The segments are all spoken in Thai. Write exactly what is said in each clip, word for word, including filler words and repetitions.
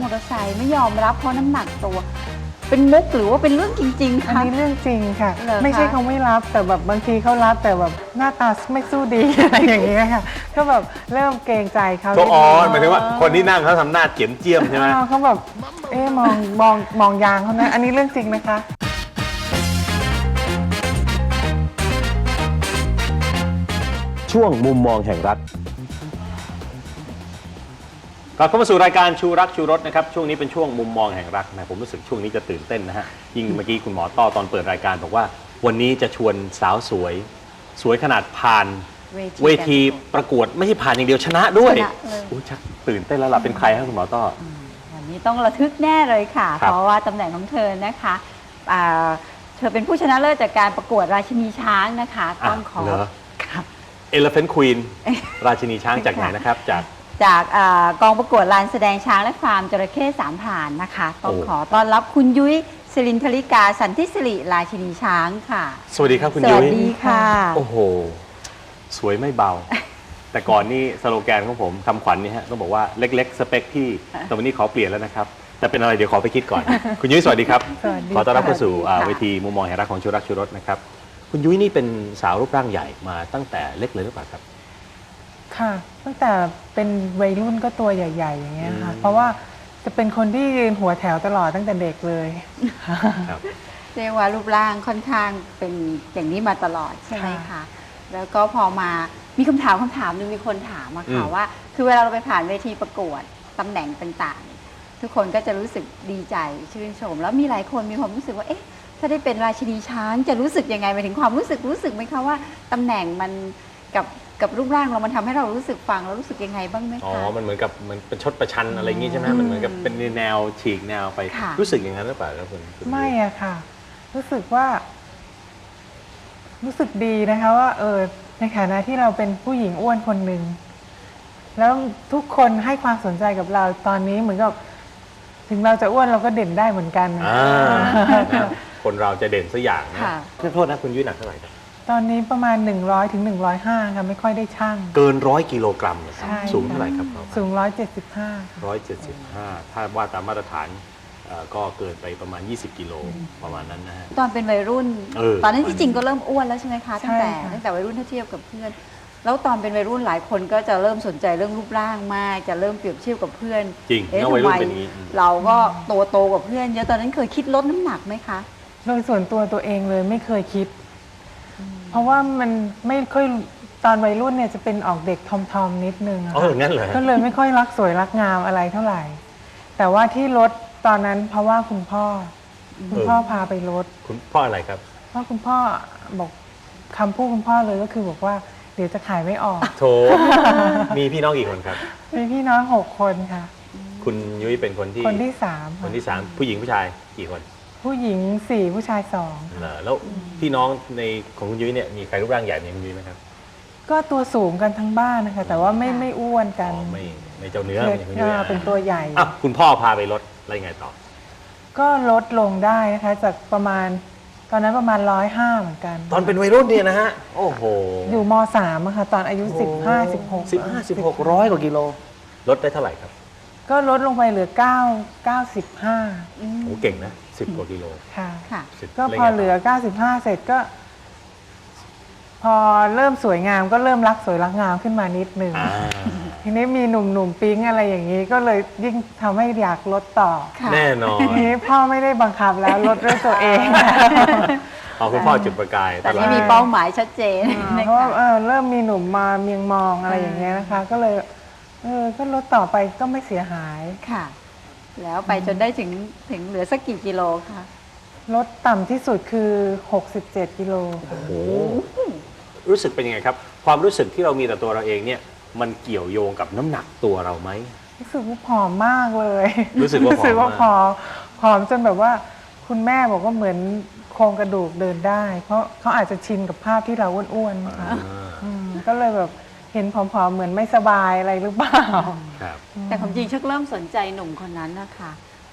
อเตอร์ไซค์ไม่ยอมรับเพราะน้ำหนักตัว เป็นมุกหรือว่าเป็นเรื่องจริงๆอันคะนี้เรื่องจริงค่ะเหรอคะไม่ใช่เขาไม่รับแต่แบบบางทีเขารับแต่แบบหน้าตาไม่สู้ดี อะไรอย่างเงี้ยค่ะก็แบบเริ่มเกรงใจเขาก็อ๋อหมายถึงว่าคนที่นั่งเขาทำหน้าเจียมเจียมใช่ไหมอ๋อเขาแบบเอ๊ะมองมองมองยางเขานะอันนี้เรื่องจริงนะคะช่วงมุมมองแห่งรัฐกลับเข้ามาสู่รายการชูรักชูรสนะครับช่วงนี้เป็นช่วงมุมมองแห่งรักนะผมรู้สึกช่วงนี้จะตื่นเต้นนะฮะยิ่งเมื่อกี้คุณหมอต้อตอนเปิดรายการบอกว่าวันนี้จะชวนสาวสวย สวยขนาดผ่านเวทีประกวดไม่ใช่ผ่านอย่างเดียวชนะด้วยชนะเลยอุ้ยชักตื่นเต้นแล้วล่ะเป็นใครครับคุณหมอต้อวันนี้ต้องระทึกแน่เลยค่ะครับเพราะว่าตำแหน่งของเธอนะคะอ่าเธอเป็นผู้ชนะเลิศจากการประกวดราชินีช้างนะคะต้องขอเหรอครับ Elephant Queen ราชินีช้างจากไหนนะครับจากจากอากองประกวดลานแสดงช้างและฟาร์มจระเข้สามผ่านนะคะ ต้องโอ้ขอต้อนรับคุณยุ้ยศิรินทริกาสันทิสิริราชินีช้างค่ะสวัสดีครับคุณสยุ้วัสยดีค่ะโอ้โห สวยไม่เบา แต่ก่อนนี่สโลแกนของผมคำขวัญนี่ฮะต้องบอกว่าเล็กๆ สเปคพี่แต่วันนี้ขอเปลี่ยนแล้วนะครับ แต่เป็นอะไรเดี๋ยวขอไปคิดก่อน คุณยุ้ยสวัสดีครับสวัสดีขอต้อนรับเข้าสู่อ่าค่ะเวทีมุมมองแห่งรักของชูรักชูรสนะครับ คุณยุ้ยนี่เป็นสาวรูปร่างใหญ่มาตั้งแต่เล็กเลยหรือเปล่าครับค่ะตั้งแต่เป็นวัยรุ่นก็ตัวใหญ่ ๆ อย่างเงี้ยค่ะอืมเพราะว่าจะเป็นคนที่ยืนหัวแถวตลอดตั้งแต่เด็กเลยครับเรียกว่ารูปร่างค่อนข้างเป็นอย่างนี้มาตลอดใช่ไหมค่ะคะ แล้วก็พอมามีคำถามคำถามหนึงมีคนถามมาค่ะอืมว่า คือเวลาเราไปผ่านเวทีประกวดตำแหน่งต่างๆ ทุกคนก็จะรู้สึกดีใจชื่นชม แล้วมีหลายคนมีความรู้สึกว่าเอ๊ะถ้าได้เป็นราชินีช้างจะรู้สึกยังไงหมายถึงความรู้สึกรู้สึกไหมคะว่าตำแหน่งมันกับกับรูปร่างเรามันทำให้เรารู้สึกฟังแล้วรู้สึกยังไงบ้างไหมอ๋อคะมันเหมือนกับเหมือนเป็นชดประชันอะไรอย่างงี้ใช่ไหมอืมมันเหมือนกับเป็นแนวฉีกแนวไปค่ะรู้สึกอย่างนั้นหรือเปล่าครับคุณคุณยุ้ยไม่อะค่ะ รู้สึกว่า รู้สึกดีนะคะว่า เออในฐานะที่เราเป็นผู้หญิงอ้วนคนหนึ่งแล้วทุกคนให้ความสนใจกับเราตอนนี้เหมือนกับ ถึงเราจะอ้วนเราก็เด่นได้เหมือนกันนะอ่านะคนเราจะเด่นสักอย่างนะค่ะขอโทษนะคุณยุ้ยหนักเท่าไหร่ครับตอนนี้ประมาณหนึ่งร้อยถึงหนึ่งร้อยห้าค่ะไม่ค่อยได้ช่างเกินร้อยกิโลกรัมเหรอครับใช่สูงเท่าไหร่ครับสูงร้อยเจ็ดสิบห้าร้อยเจ็ดสิบห้าถ้าว่าตามมาตรฐานเอ่อก็เกินไปประมาณ ยี่สิบกิโลประมาณนั้นนะฮะตอนเป็นวัยรุ่นเออตอนนั้นที่จริงก็เริ่มอ้วนแล้วใช่ไหมคะตั้งแต่ใช่ค่ะตั้งแต่วัยรุ่นถ้าเทียบกับเพื่อน แล้วตอนเป็นวัยรุ่นหลายคนก็จะเริ่มสนใจเรื่องรูปร่างมาก จะเริ่มเปรียบเทียบกับเพื่อนจริงเอ๊ะน้องทำวัยรุ่ไมนเป็นอย่างนี้อืมเราก็ตัวโตกว่าเพื่อนเยอะตอนนั้นเคยคิดลดน้ำหนักไหมคะโดยส่วนตัวตัวเองเลยไม่เคยคิด เพราะว่ามันไม่ค่อยตอนวัยรุ่นเนี่ยจะเป็นออกเด็กทอมๆนิดนึงอะอ๋ออย่างนั้นเหรอฮะก็เลยไม่ค่อยรักสวยรักงามอะไรเท่าไหร่ แต่ว่าที่ลดตอนนั้นเพราะว่าคุณพ่ออคุณพ่อพาไปลดคุณพ่ออะไรครับเพราะคุณพ่อบอกคำพูดคุณพ่อเลยก็คือบอกว่าเดี๋ยวจะขายไม่ออกโถ มีพี่น้องกี่คนครับมีพี่น้องหกคนค่ะคุณยุ้ยเป็นคนที่คนที่สามคนที่สามผู้หญิงผู้ชายกี่คนผู้หญิงสี่ผู้ชายสองเหรอแล้วพี่น้องในของคุณยุ้ยเนี่ยมีใครรูปร่างใหญ่เหมือนคุณยุ้ยไหมครับก็ตัวสูงกันทั้งบ้านนะคะ แต่ว่าไม่ไม่อ้วนอ๋กันอไม่ไม่เจ้าเนื้อเไม่ใช่คุณยุ้ยออเป็นตัวใหญ่อ่ะคุณพ่อพาไปลดอะไรไงต่อก็ลดลงได้นะคะ จากประมาณตอนนั้นประมาณร้อยห้าเหมือนกันตอนเป็นวัยรุ่นเนี่ยนะฮะโอ้โหอยู่มสามอะค่ะตอนอายุสิบห้าสิบหกสิบห้าสิบหกร้อยกว่ากิโลลดได้เท่าไหร่ครับก็ลดลงไปเหลือเก้าเก้าสิบห้าอืมโอ้เก่งนะสิบกว่ากิโลค่ะค่ะสิบก็ล่นพอไงต่เหลือเก้าสิบห้าเสร็จก็ พอเริ่มสวยงามก็เริ่มรักสวยรักงามขึ้นมานิดนึงอ่าทีนี้มีหนุ่มๆปิ๊งอะไรอย่างนี้ ก็เลยยิ่งทำให้อยากลดต่อค่ะแน่นอนทีนี้พ่อไม่ได้บังคับแล้วลดด้วยตัวเองเอาคุณพ่อจุดประกายแต่ตลอนี่ดมีเป้าหมายชัดเจนนะเพราะว่าคะเออเริ่มมีหนุ่มมาเมียงมองอะไรอย่างเงี้ยนะคะ ก็เลยเออก็ลดต่อไปก็ไม่เสียหายค่ะ แล้วไปจนได้ถึงถึงเหลือสักกี่กิโลคะลดต่ำที่สุดคือหกสิบเจ็ดกิโลค่ะโอ้โหรู้สึกเป็นยังไงครับ ความรู้สึกที่เรามีต่อตัวเราเองเนี่ยมันเกี่ยวโยงกับน้ำหนักตัวเราไหมรู้สึกว่าผอมมากเลยรู้สึกว่าผอมมากรู้สึกว่าผอมผอมจนแบบว่า คุณแม่บอกว่าเหมือนโครงกระดูกเดินได้ เพราะเขาอาจจะชินกับภาพที่เราอ้วนๆนะคะอ่าอืมก็เลยแบบเห็นผอมๆเหมือนไม่สบายอะไรหรือเปล่าครับแต่ความจริงชักเริ่มสนใจหนุ่มคนนั้นนะคะ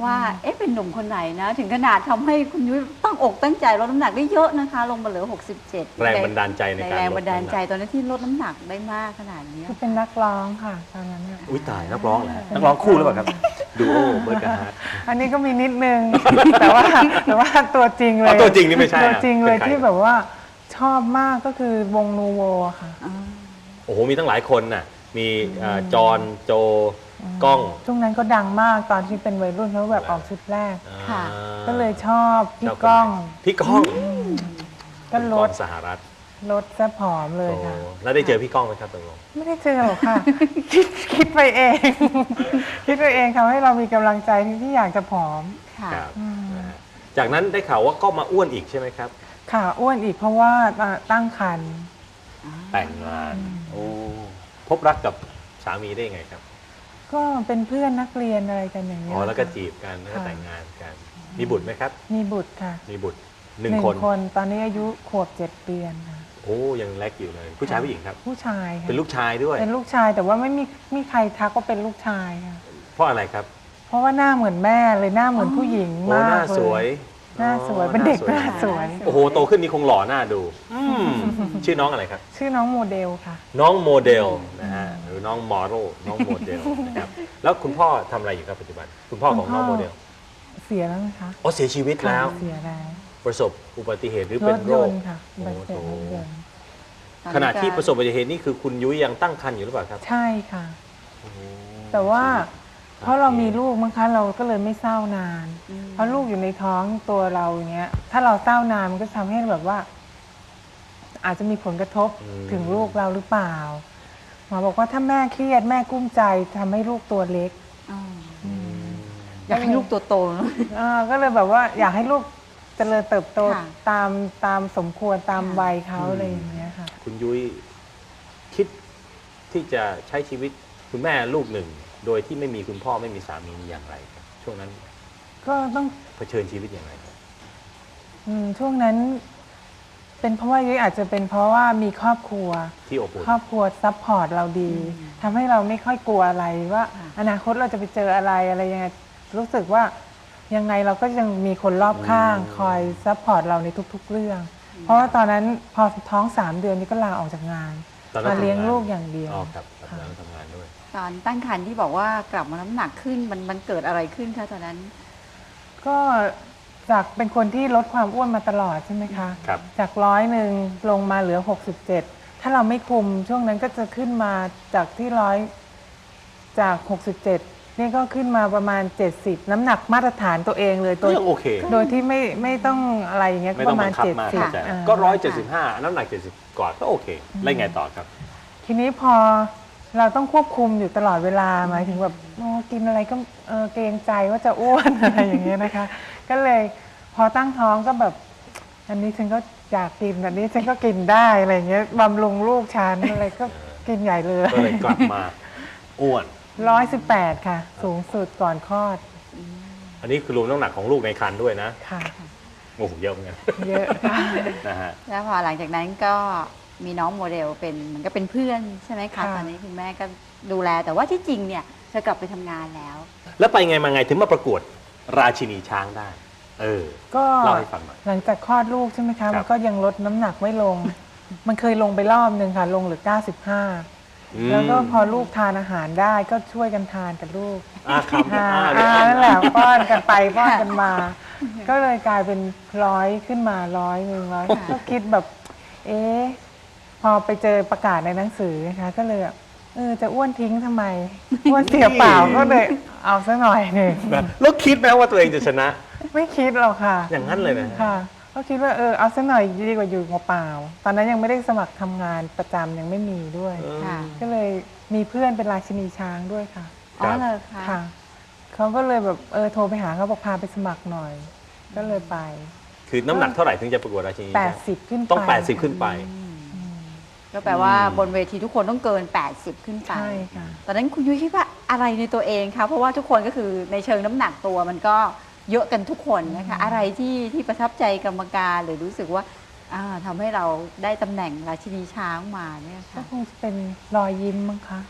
ว่าเอ๊ะเป็นหนุ่มคนไหนนะ ถึงขนาดทำให้คุณยุ้ยตั้งอกตั้งใจลดน้ำหนักได้เยอะนะคะ ลงมาเหลือหกสิบเจ็ดแรงบันดาลใจในการแรงลดบันดาลใจน้ำหนักตอนนั้นที่ลดน้ำหนักได้มากขนาดนี้คือเป็นนักร้องค่ะตอนนั้นน่ะอุ้ยตายนักร้องเหรอฮะนักร้องคู่หรือเปล่าครับดูโอเบิร์ดกับฮาร์ดอันนี้ก็มีนิดนึง แต่ว่าแต่ว่าตัวจริงเลอ๋อย ตัวจริงนี่ไม่ใช่ตัวจริงเลยเป็นใคที่แบบว่าชอบมากก็คือวงนูโวค่ะโอ้โหมีตั้งหลายคนน่ะมีเอ่อจอห์นโจกล้องช่วงนั้นก็ดังมากตอนที่เป็นวัยรุ่นเขาแบบออกชุดแรกค่ะอ่าก็เลยชอบพี่ก้องพี่ก้องก็ลดพี่องสหรัฐลดซะผอมเลยโอ้ค่ะแล้วได้เจอพี่ก้องไหมครับตกลงไม่ได้เจอหรอกค่ะ คิดคิดไปเอง คิดไปเองทำให้เรามีกำลังใจที่ที่อยากจะผอมค่ะครับนะฮะจากนั้นได้ข่าวว่าก็มาอ้วนอีกใช่ไหมครับค่ะอ้วนอีกเพราะว่าตั้งครรภ์แต่งงานโอ้พบรักกับสามีได้ยังไงครับก็เป็นเพื่อนนักเรียนอะไรกันอย่างเงี้อ๋ยอแล้วก็ค่ะจีบกันแล้วก็ค่ะแต่งงานกัน มีบุตรไหมครับมีบุตรค่ะมีบุตรหนึ่งคนตอนนี้อายุขวบเจ็ดเดือนค่ะโอ้ยังเล็กอยู่เลย ผู้ชายผู้หญิงครับผู้ชายค่ะเป็นลูกชายด้วยเป็นลูกชายแต่ว่าไม่มีมีใครทักว่าเป็นลูกชายค่ะเพราะอะไรครับเพราะว่าหน้าเหมือนแม่เลยหน้าเหมือนผู้หญิงโอ้มากหน้าเลยสวยหน้าสวยอ๋อเป็นเด็กหหน้าน้าสสววย ยโอ้โหโตขึ้นนี่คงหล่อหน้าดูอืมชื่อน้องอะไรครับชื่อน้องโมเดลค่ะน้องโมเดลนะฮะหรือน้องมอโรน้องโมเดลนะครับแล้วคุณพ่อทำอะไรอยู่ครับปัจจุบัน คุณพ่อของน้องโมเดลเสียแล้วนะคะอ๋อเสียชีวิตแล้วค่ะเสียแล้วประสบอุบัติเหตุหรือรเป็นถโรยคนต์ค่ะอุบัติเหตุรถยนต์ขณะที่ประสบอุบัติเหตุนี่คือคุณยุ้ยยังตั้งครรภ์อยู่หรือเปล่าครับใช่ค่ะโอ้โหแต่ว่าชีวิตเพราะเรามีลูกมั้งคะเราก็เลยไม่เศร้านานอืมเพราะลูกอยู่ในท้องตัวเราอย่างเงี้ย ถ้าเราเศร้านานมันก็ทำให้แบบว่า อาจจะมีผลกระทบถึงลูกเราหรือเปล่าหมอบอกว่าถ้าแม่เครียดแม่กุ้มใจทำให้ลูกตัวเล็กอ๋ออยากให้ลูกตัวโตเนอะอ่าก็เลยแบบว่าอยากให้ลูกเจริญเติบโตค่ะตามตามสมควรตามค่ะวัยเขาอะไรอย่างเงี้ยค่ะคุณยุ้ยคิดที่จะใช้ชีวิตคุณแม่ลูกหนึ่ง โดยที่ไม่มีคุณพ่อไม่มีสามีอย่างไรครับช่วงนั้นก็ต้องเผชิญชีวิตอย่างไรครับอืมช่วงนั้น เป็นเพราะว่ายุ้ยอาจจะเป็นเพราะว่ามีครอบครัวที่อบอุ่นครอบครัวซัพพอร์ตเราดีทำให้เราไม่ค่อยกลัวอะไรว่าค่ะอนาคตเราจะไปเจออะไรอะไรยังไงรู้สึกว่ายังไงเราก็ยังมีคนรอบข้าง คอยซัพพอร์ตเราในทุก ๆ เรื่อง เพราะว่าตอนนั้นพอท้องสามเดือนนี้ก็ลาออกจากงานตอนนั้นมาเลี้ยงทำลูกอย่างเดียวอ๋อครับตอนค่ะนั้นทำงานด้วยตอนตั้งครรภ์ที่บอกว่ากลับมาน้ำหนักขึ้นมันมันเกิดอะไรขึ้นคะตอนนั้นก็จากเป็นคนที่ลดความอ้วนมาตลอดใช่ไหมคะครับจากร้อยหนึ่งลงมาเหลือหกสิบเจ็ดถ้าเราไม่คุมช่วงนั้นก็จะขึ้นมาจากที่ร้อยจากหกสิบเจ็ดนี่ก็ขึ้นมาประมาณเจ็ดสิบน้ำหนักมาตรฐานตัวเองเลยโดก็ยยังโอเคโดยที่ไม่ไม่ต้องอะไรอย่างเงี้ยไม่ปต้องระมาบัณงคับเจ็ดมากสิบเข้าใจอ่าก็ร้อยเจ็ดสิบห้าน้ำหนักเจ็ดสิบก่อนก็โอเคแล้วไงต่อครับทีนี้พอเราต้องควบคุมอยู่ตลอดเวลาหมายถึงแบบโอ้กินอะไรก็เออเกรงใจว่าจะอ้วน อะไรอย่างเงี้ยนะคะ ก็เลยพอตั้งท้องก็แบบ อันนี้ฉันก็อยากกินอันนี้ฉันก็กินได้อะไรอย่างเงี้ยบำรุงลูกฉันอะไรก็กินใหญ่เลยก็เลยกลับมาอ้วนร้อยสิบแปดค่ะ สูงสุดก่อนคลอดอันนี้คือรวมน้ำหนักของลูกในครรภ์ด้วยนะค่ะโอ้โหเยอะเหมือนกันเยอะค่ะนะฮะแล้วพอหลังจากนั้นก็มีน้องโมเดลเป็นเหมันก็เป็นเพื่อนใช่ไหมคะค่ะตอนนี้คุณแม่ก็ดูแลแต่ว่าที่จริงเนี่ยเธอกลับไปทำงานแล้วแล้วไปไงมาไงถึงมาประกวดราชินีช้างได้ เออก็เล่าให้ฟังหน่อยหลังจากคลอดลูกใช่ไหมครัคะบมันก็ยังลดน้ำหนักไม่ลง มันเคยลงไปรอบหนึ่งค่ะ ลงเหลือเก้าสิบห้าอืมแล้วก็พอลูกทานอาหารได้ก็ช่วยกันทานกับลูกอ่าครับอ่าอ่าอ่าเดี๋ยวนั่นแหละป้อนกันไปป้อนกันมา ก็เลยกลายเป็นร้อยขึ้นมาร้อยหนึ่งร้อยก็คิดแบบ เอ๊ะพอไปเจอประกาศในหนังสือนะคะ ก็เลยแบบเออจะอ้วนทิ้งทำไม อ้วนเสียเปล่าก็เลยเอาซะหน่อยหนึ่งนะแล้วคิดไหมว่าตัวเองจะชนะไม่คิดหรอกค่ะอย่างนั้นเลยนะค่ะ ก็คิดว่าเออเอาซะหน่อยดีกว่าอยู่เปล่าๆตอนนั้นยังไม่ได้สมัครทำงานประจำยังไม่มีด้วยเออค่ะก็เลยมีเพื่อนเป็นราชินีช้างด้วยค่ะอ๋อเลยคะค่ะ เขาก็เลยแบบเออโทรไปหาเขาบอกพาไปสมัครหน่อย ก็เลยไปคือน้ำหนักเท่าไหร่ถึงจะประกวดราชินีแปดสิบขึ้นไปต้องแปดสิบขึ้นไปก็แปลว่าอืมบนเวทีทุกคนต้องเกิน แปดสิบ ขึ้นไปใช่ค่ะตอนนั้นคุณยุ้ยคิดว่าอะไรในตัวเองคะเพราะว่าทุกคนก็คือในเชิงน้ำหนักตัวมันก็เยอะกันทุกคนนะคะอะไรที่ที่ประทับใจกรรมการหรือรู้สึกว่าอ่าทำให้เราได้ตำแหน่งราชินีช้างมาเนี่ยก็ค่ะคงจะเป็นรอยยิ้มมั้งคะ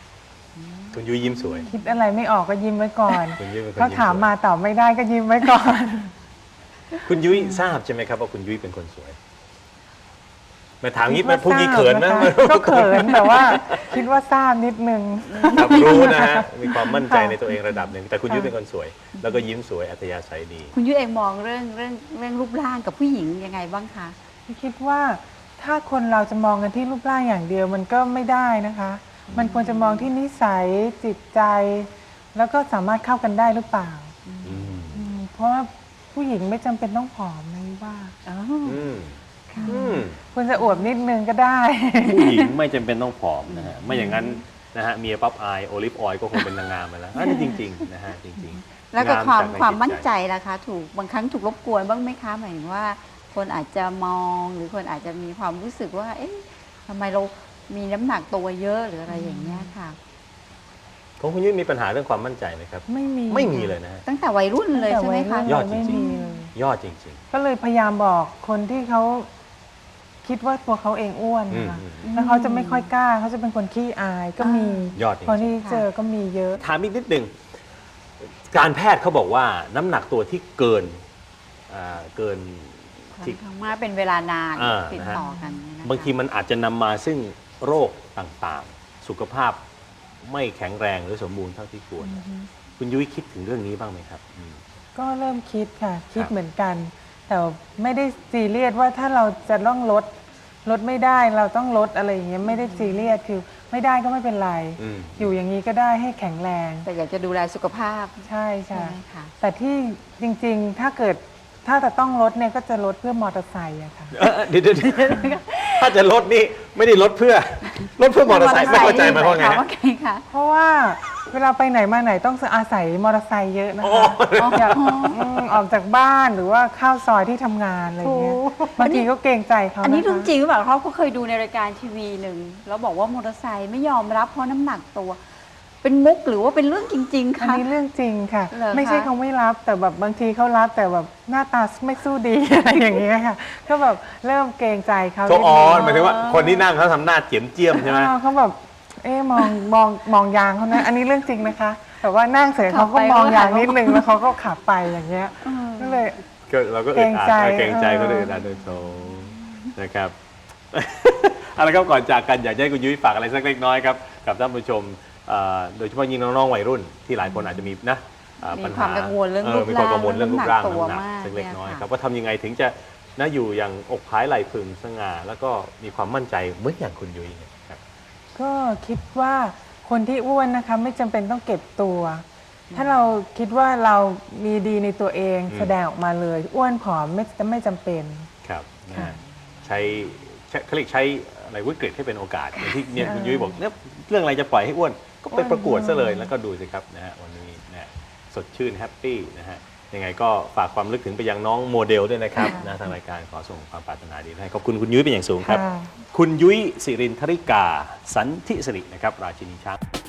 คุณยุ้ยยิ้มสวยคิดอะไรไม่ออกก็ยิ้มไว้ก่อนคุณยุ้ยเป็นคนเขายิ้มถามสวยมาตอบไม่ได้ก็ยิ้มไว้ก่อนคุณยุ้ยทราบใช่ไหมครับว่าคุณยุ้ยเป็นคนสวยมาถามงี้มันพวกนี้เขินนะก็เขินแต่ว่าคิดว่าทราบนิดนึงครับรู้นะฮะมีความมั่นใจในตัวเองระดับหนึ่งแต่คุณยุ้ยเป็นคนสวย แล้วก็ยิ้มสวยอัธยาศัยดีคุณยุ้ยเองมองเรื่องเรื่องเรื่องรูปร่างกับผู้หญิงยังไงบ้างคะคิดว่าถ้าคนเราจะมองกันที่รูปร่างอย่างเดียวมันก็ไม่ได้นะคะ มันควรจะมองที่นิสัยจิตใจ แล้วก็สามารถเข้ากันได้หรือเปล่าอืมอืมเพราะว่าผู้หญิงไม่จำเป็นต้องผอมนะว่าอ๋ออืมค่ะอืมควรจะอวบนิดนึงก็ได้ผู้หญิงไม่จำเป็นต้องผอมนะฮะไม่อย่างนั้นนะฮะเมียปั๊บอายโอลิฟออยล์ก็คงเป็นนางงามไปแล้วอันนี้จริงๆนะฮะจริงๆแล้วก็ความงจกในความจิตมั่นใจล่ะคะ ถูกบางครั้งถูกรบกวนบ้างไหมคะหมายถึงว่า คนอาจจะมองหรือคนอาจจะมีความรู้สึกว่า เอ๊ะทำไมเรามีน้ำหนักตัวเยอะหรืออะไรอย่างเงี้ยค่ะของคุณยุ้ยมีปัญหาเรื่องความมั่นใจไหมครับไม่มีไม่มีเลยนะฮะตั้งแต่วัยรุ่นเลยแต่ใช่ไหมวัยคะรุ่นยอดจริไม่งมีเลยยอดจริงก็เลยพยายามบอกคนที่เขาคิดว่าตัวเขาเองอ้วนนะคะอืมแล้วเขาจะไม่ค่อยกล้าเขาจะเป็นคนขี้อายก็มียอดจริงคนที่เจอก็มีเยอะๆถามอีกนิดหนึ่งการแพทย์เขาบอกว่าน้ำหนักตัวที่เกินอ่าเกินค่อนที่ข้างมากเป็นเวลานานอ่าติดนะฮะต่อกันเนี่ยนะคะบางทีมันอาจจะนำมาซึ่งโรคต่างๆ สุขภาพไม่แข็งแรงหรือสมบูรณ์เท่าที่ควร คุณยุ้ยคิดถึงเรื่องนี้บ้างไหมครับอืมก็เริ่มคิดค่ะ คิดครับเหมือนกัน แต่ไม่ได้ซีเรียสว่าถ้าเราจะต้องลดลดไม่ได้เราต้องลดอะไรอย่างเงี้ยไม่ได้ซีเรียสคือไม่ได้ก็ไม่เป็นไรอืมอยู่อย่างนี้ก็ได้ให้แข็งแรงแต่อยากจะดูแลสุขภาพใช่ใช่ใช่ไหมคะแต่ที่จริงๆ ถ้าเกิดถ้าจะต้องลดเนี่ยก็จะลดเพื่อมอเตอร์ไซค์อะค่ะเอ่อเดี๋ยวเดี๋ยวเดี๋ยวถ้าจะลดนี่ไม่ได้ลดเพื่อลดเพื่อมอเตอร์ไซค์ไม่เข้าใจหมายความว่าไงหมายฮะว่าไงคะเพราะว่าเวลาไปไหนมาไหนต้องอาศัยมอเตอร์ไซค์เยอะนะโอ้คะอยากอืมออกจากบ้านหรือว่าเข้าซอยที่ทำงานอะไรอย่างเงี้ยบางทีก็เกรงใจเขาอันนี้ะคะเรื่องจริงหรือเปล่าเขาก็เคยดูในรายการทีวีหนึ่งแล้วบอกว่ามอเตอร์ไซค์ไม่ยอมรับเพราะน้ำหนักตัว เป็นมุกหรือว่าเป็นเรื่องจริง ๆอันคะนี้เรื่องจริงค่ะเหรอคะไม่ใช่เขาไม่รับแต่แบบบางทีเขารับแต่แบบหน้าตาไม่สู้ดี อะไรอย่างเงี้ยค่ะ ก็แบบเริ่มเกรงใจเขาเขาอ๋อนิดนึงหมายถึงว่าคนที่นั่งเขาทำหน้าเจียมเจียมใช่ไหมอ้าวเขาแบบ เอ๊ะมองมองมองยางเขานะ อันนี้เรื่องจริงนะคะแต่ว่านั่งเสร็จเขาก็มองยางนิดนึงแล้วเขาก็ขับไปอย่างเงี้ยก็เลยก็เราก็เกอึรดงอัดใจเกรงใจเออก็เลยอึดอัดโดยตรงนะครับ เอาละครับก่อนจากกันอยากจะให้คุณยุ้ยฝากอะไรสักเล็กน้อยครับกับท่านผู้ชมเอ่อโดยเฉพาะยิ่งน้องๆวัยรุ่นที่หลายคนอาจจะมีนะเอ่อมีปัญควาหามกังวลเรื่องเอรูอปมีความกังวลร่างเรื่องรูปร่างน้ำหนักตัวน้ำหนักมากสักเล็กน้อยเนี่ยครับค่ะว่าทำยังไงถึงจะนะอยู่อย่างอกผายไหล่พึงสง่าแล้วก็มีความมั่นใจเหมือนอย่างคุณยุ้ยเนี่ยครับก็คิดว่าคนที่อ้วนนะคะไม่จำเป็นต้องเก็บตัว ถ้าเราคิดว่าเรามีดีในตัวเองอืมแสดงออกมาเลย อ้วนผอมไม่ไม่จำเป็นครับนะค่ะฮะใช้ใช้เขาเรียกใช้อะไรวิกฤตให้เป็นโอกาสอย่างที่เนี่ยคุณยุ้ยบอกเนี่ยเรื่องอะไรจะปล่อยให้อ้วนก็ไปประกวดซะเลยแล้วก็ดูสิครับนะฮะวันนี้นะฮะสดชื่นแฮปปี้นะฮะยังไงก็ฝากความลึกถึงไปยังน้องโมเดลด้วยนะครับนะทางรายการขอส่งความปรารถนาดีให้ขอบคุณคุณยุ้ยเป็นอย่างสูงครับค่ะคุณยุ้ยสิรินทริกา สันทิสิรินะครับราชินีช้าง